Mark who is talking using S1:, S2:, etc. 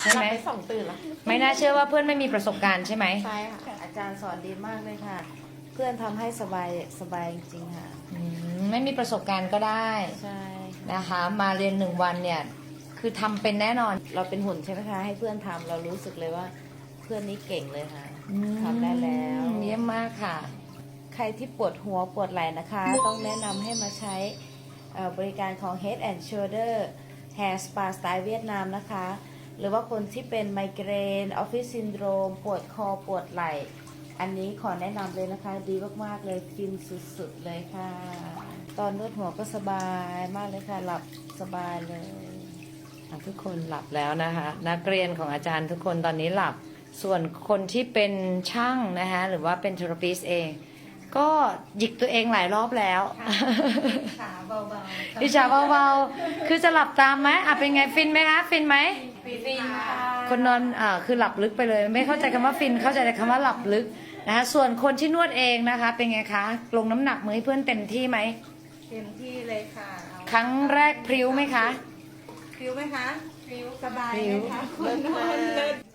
S1: ใช่ไหม
S2: หลับไป2 ตื่นแล้ว
S1: ไม่น่าเชื่อว่าเพื่อนไม่มีประสบการณ์ใช่ไหม
S2: ใช่ค่ะ อาจารย์สอนดีมากเลยค่ะ เพื่อนทำให้สบายจริงๆค่ะ
S1: ไม่มีประสบการณ์ก็ได้
S2: ใช่ค่ะ
S1: นะคะ มาเรียน1 วันเนี่ยคือทำเป็นแน่นอน
S2: เราเป็นหุ่นใช่ไหมคะ ให้เพื่อนทำเรารู้สึกเลยว่าเพื่อนนี้เก่งเลยค่ะทำได้แล้ว
S1: เยี่ยมมากค่ะ
S2: ใครที่ปวดหัวปวดไหล่นะคะ ต้องแนะนำให้มาใช้บริการของ Head and Shoulder Hair Spa สไตล์เวียดนามนะคะ หรือว่าคนที่เป็นไมเกรนออฟฟิศซินโดรมปวดคอปวดไหล่ อันนี้ขอแนะนำเลยนะคะ ดีมากๆเลยฟินสุดๆเลยค่ะ ตอนนวดหัวก็สบายมากเลยค่ะ หลับสบายเลย
S1: ทุกคนหลับแล้วนะคะ นักเรียนของอาจารย์ทุกคนตอนนี้หลับ ส่วนคนที่เป็นช่างนะคะหรือว่าเป็นเทอราปิสเอง ก็หยิกตัวเองหลายรอบแล้ว
S2: ขาเบาๆ
S1: อิจฉาเบาๆคือจะหลับตามไหมเป็นไงฟินไหมคะฟินไหม
S2: ฟินค่ะ
S1: คนนอนคือหลับลึกไปเลย ไม่เข้าใจคำว่าฟินเข้าใจแต่คำว่าหลับลึกนะคะส่วนคนที่นวดเองนะคะเป็นไงคะลงน้ำหนักมือให้เพื่อนเต็มที่ไหม
S2: เต็มที่เลยค่ะ
S1: ครั้งแรกพริ้วไหมคะ
S2: ฟิวไหมคะฟิวสบาย
S1: พริ้ว
S2: ไหมคะคุณนอนเลิศ